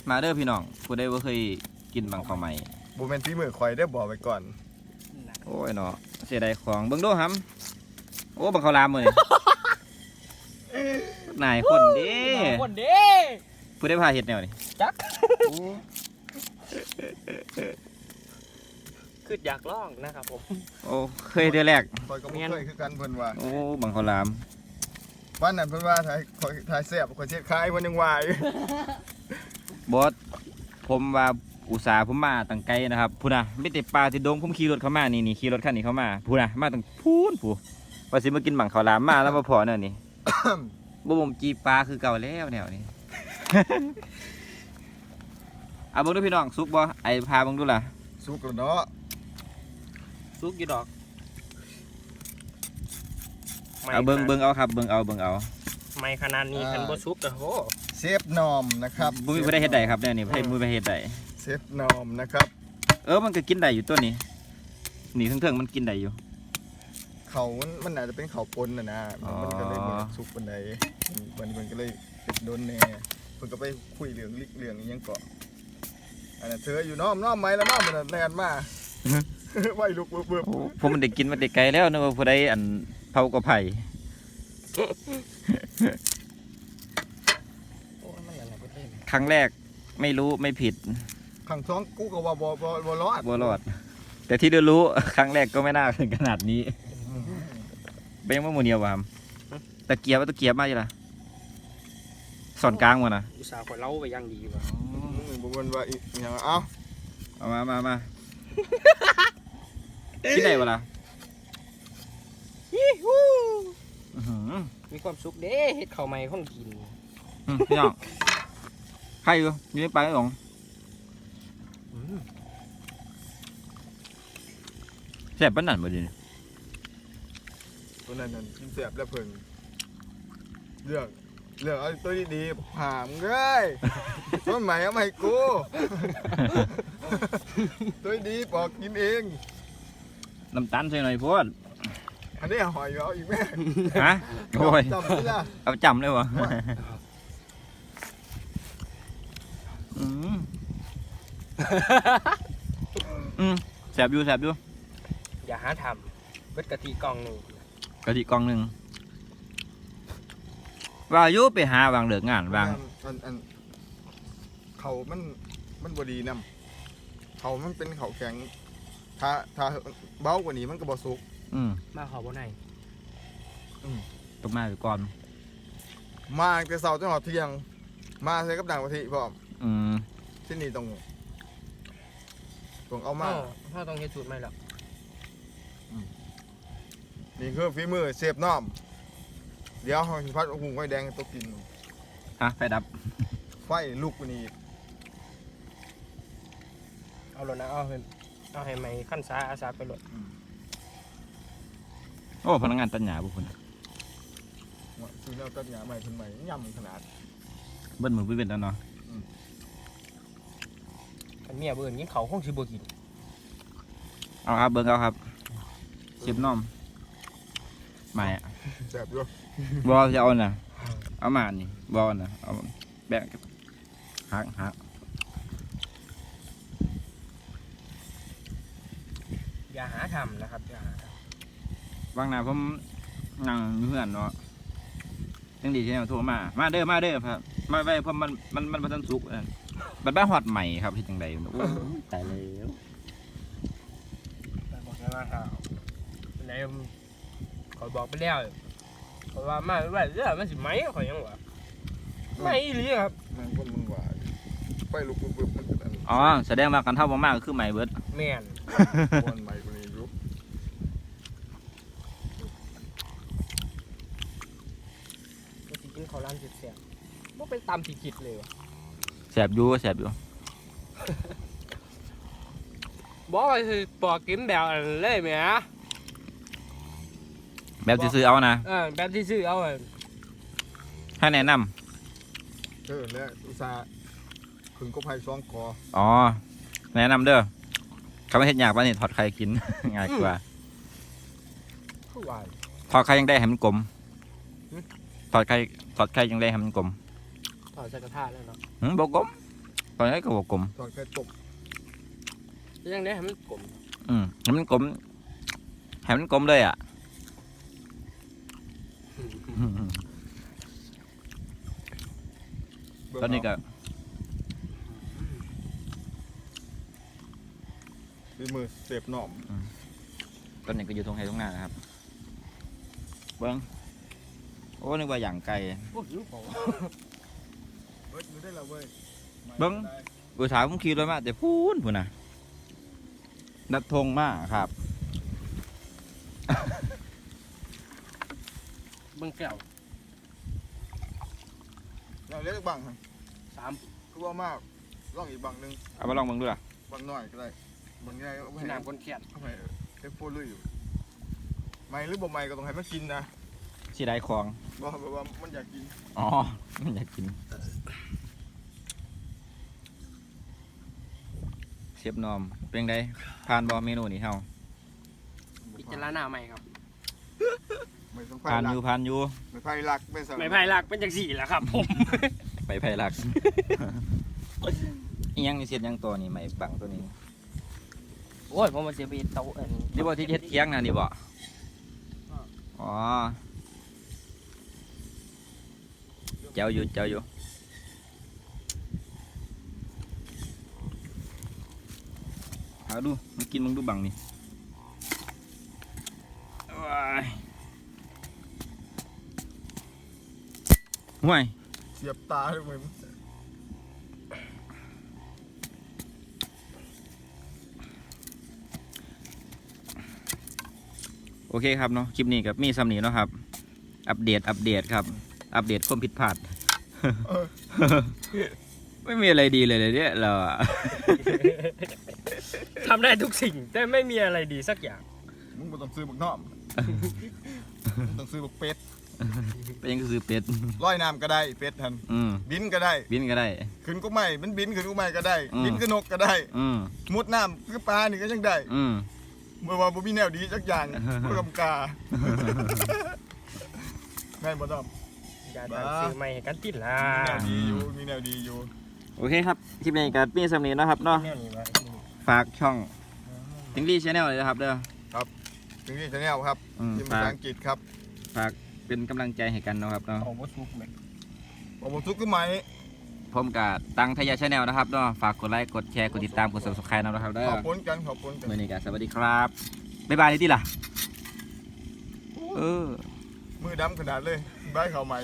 มาเด้อพี่น้องผู้ใดบ่เคยกินบังข้าวใหม่บ่แม่นฝีมือข่อยได้บอกไว้ก่อนโอ้ยเนาะเสียดายของเบิ่งดูหำโอ้บังข้าวรามมื้อนี่ นายคนเด้คนเด้ผู้ใดพาเฮ็ดแนวนี่จักคืออยากลองนะครับผมโอ้เคยเดือนแรกข่อยก็บ่เคยคือกันเพิ่นว่าโอ้บังข้าวรามวันนั้นเพิ่นว่าถ่ายแซ่บข่อยเช็ดคายเพิ่นยังว่าอยู่บอสผมว่าอุตส่าห์ผมมาตั้งไกลนะครับพูน่ะไม่แต่ปลาที่ดงผมขี่รถเข้ามานี่ขี่รถคันนี้เข้ามาพูน่ะมาตั้งพูนผู้ว่าสิมากินบังข้าวรามมาแล้วมาพอเนี่ยนี่ บ่ผมจีปลาคือเก่าแล้วแนวนี้ เอาเบิ่งดูพี่น้องสุกบ่ไอ้พาเบิ่งดูล่ะสุกแล้วเนาะซุกกี่ดอกเอาเบิ่งเอาครับเบิ่งเอาไม่ขนาดนี้คันบ่ซุกก็โหเซฟนอมนะครับบ่มีผู้ใดเฮ็ดได้ครับเนี่ยนี่บ่มีผู้ใดเฮ็ดได้เซฟนอมนะครับมันก็กินได้อยู่ตัวนี้นี่เทิงๆมันกินได้อยู่เขามันอาจจะเป็นเขาปนนะอ๋อมันก็เลยบ่สุกปานใดมันก็เลยติดโดนแน่เพิ่นก็ไปคุยเรื่องลิกเรื่องอีหยังเกาะอันนั้นเธออยู่น้อมไหมแล้วน้อมมันแล่นมา ไว้ลุกเบิ่บโอ้ผมมันได้กินมาแต่ไกลแล้วนึกว่าผู้ใดอันเผากระไผ่โอ้มันอะไรบ่ได้ครั้งแรกไม่รู้ไม่ผิดขังท้องกูก็ว่าบ่รอดบ่รอด แต่ที่รู้ ครั้งแรกก็ไม่น่าถึงขนาดนี้เบ้งว่าโมเนียววามตะเกียบมาอยู่ล่ะสอนกลางวะนะอุตส่าห์ข่อยเล่าไปอย่างดีว่ะบ่มันว่าอีหยังเอ้าเอามาที่ไหนวะล่ะยี่ฮู้อื้อหือมีความสุขเด้เฮ็ดข้าวใหม่คนกินพี่น้องใครอยู่ในปลาไอ้หลงแซ่บปานนั้นบ่ดิตัวนั้นกินแซ่บแล้วเพิ่นเลือกเอาตัวดีๆหามเอ้ยต้นใหม่เอามาให้กู ตัวดีปอกกินเองน้ำตาลใส่หน่อยพวดอันนี้หอยเอาอีกแม่ฮะโอ้ยจำไม่ได้เอาจำเลยวะอืมแซ่บอยู่อย่าหาทำเบิดกะทิกล่องหนึงกะทิกล่องหนึ่งว่าอยุไปหาวางเหลืองานวางอันเขามันบดีนำเขามันเป็นเขาแข็งถ้าเบากว่านี้มันก็บ่สุกมาขอบ่ไหนตกมาไปก่อนมาตั้งแต่เช้าจนหอดเที่ยง มาใส่กับด่างกะทิพร้อมอืมที่นี่ต้องเอามาพ่อต้องเฮ็ดสูตรใหม่แล้วนี่คือฝีมือเชฟน้อมเดี๋ยวเขาสิพัดหุงไฟแดงให้ตัวกินไฟดับไฟลุกกว่านี้เอาโลดนะเอาให้ไหมขั้นสาอาสาไปโลดโอ้พนักงานตัดหญ้าบุคคลซื้อแล้วตัดหญ้าใหม่เพิ่นใหม่ย่ำขนาดเบิ้ลมือเป็นแล้วเนาะคันเมียเบิ่นกินข้าวคงสิบ่กินเอาครับเบิ้งเอาครับเชฟน้อมไม่อะแซ่บอยู่บอจะเอาน่ะเอามานี่บอน่ะเอาแบกหักอย่าหาทำนะครับอย่าหาทบางหน้าผมนั่งอยู่เพื่อนเนาะยังดีที่เขาโทรมาเด้อครับมาไว้เพราะมันบ่ทันสุกบัดบ้าฮอดใหม่ครับเฮ็ดจังได๋โอ้ยตายแล้วำแต่บอกให้มาหาไหนขอยบอกไปแล้วขอยว่ามาไว้เด้อมันสิไหมข่อยยังว่าไหมอีหลีครับมันคนมันหวานไฟลุกปึ๊บมันเป็นอันอ๋อแสดงว่ากันเท่าบ่มากก็คือใหม่เบิดแม่นบอนใหม่กว่านี้ลุกมันสิกินข้าวร้านแซ่บๆบ่เป็นตามที่คิดเลยว่ะแซ่บอยู่บอกว่าสิปอกกินแบบอันเลยแหมแบบซื้อๆเอานะแบบที่ซื้อเอาอะให้แนะนำแล้วอุตส่าห์ขึงก็ไผ่ซองคออ๋อแนะนำเด้อเขาไม่เฮ็ดยากป่ะนี่ถอดไข่กิน ง่ายกว่าคือว่าถอดไข่ยังได้ให้มันกลมถอดไข่ยังได้ให้มันกลมถอดใส่กระทะแล้วเนาะบ่กลมตอนนี้ก็บอกกลมทอดไข่ตกยังได้ให้มันกลมให้มันกลมให้มันกลมเลยอ่ะ ตอนนี้ก็ฝีมือเสพหน่อมตอนนี้ก็อยู่ตรงไหนตรงหน้านะครับเบิ้งโอ้นึกว่าอย่างไก่โอ้ยรู้เปล่าเฮ้ยดูได้แล้วเว้ยเบิ่ง อุตสาหผมขี่รถมาแต่พูนพูนนะนัดทงมากครับเบิ่งแก้วเราเรียกบังครับ 3 คือว่ามากลองอีกบังหนึงเอามาลองเบิ่งดูล่ะบังหน่อยก็ได้บังใหญ่ก็ไม่ให้น้ำคนแค้นทำไมเอฟโฟลุยอยู่ไม่หรือบ่ไม่ก็ต้องให้มันกินนะสีได้ของบอกแบบว่ามันอยากกินอ๋อมันอยากกินเชฟนอมเป็นไงผ่านบอเมนูนี้เฮาพิจารณาใหม่ครับไม่ต้องไฟผ่านหลัอก ยู่ผ่านอยู่ไม่ไฟหลักไม่สลับไม่ไผ่หลักเป็นจังสี่แหละครับผมไปไผ่หลัก อีหยังนี่เสียดหยังตัวนี้ไหมบังตัวนี้โอ้ยผมมาเสียไปเตาอันนี่บ่ที่เฮ็ดเคียงนะนี่บ่อ๋อเจ้าอยู่เจ้าอยู่เอาดูมันกินมึงดูบังนี่ว้ายห่วยเสียบตาเลยมึงโอเคครับเนาะคลิปนี้กับมีซ้ำนี้เนาะครับ อัปเดตครับ อัปเดตความผิดพลาด ไม่มีอะไรดีเลยเนี่ยเราอะทำได้ทุกสิ่ง แต่ไม่มีอะไรดีสักอย่างมึงบ่ต้องซื้อบักน้อมมึงต้องซื้อบักเป็ดเป็นยังก็คือเป็ดร้อยน้ำก็ได้เป็ดทัน บินก็ได้บินก็ได้ขึ้นก็ไม่มันบินขึ้นก็ไม่ก็ได้อืมบินก็นกก็ได้อืมมุดน้ำคือปลานี่ก็ยังได้อืมเมื่อว่าบ่มีแนวดีสักอย่างเพื่อกำกาแม่นบ่ต้องอย่าตั้งซื้อใหม่ให้กันติดละมีแนวดีอยู่โอเคครับคลิปนี้กับมีซ้ำนี้เนาะครับเนาะแนวนี้วะฝากช่องทิงลี่ชาแนลเลยนะครับเด้อถึงที่ชาแนลครับมทีมฝาภาก ษาอังกฤษครับฝากเป็นกำลังใจให้กันเนาะครับเนาะเอาบ่ซุกแม่ผมทุกข์ขึ้นไหมผมกับตังทยาชาแนลนะครับเนาะฝากกดไลค์กดแชร์กดติดตามกด subscribe นะครับเด้อขอบคุณกันมื่อนี้ก็สวัสดีครับบ๊ายบายเลยที่ล่ะมือดำขนาดเลยบายเขาใหม่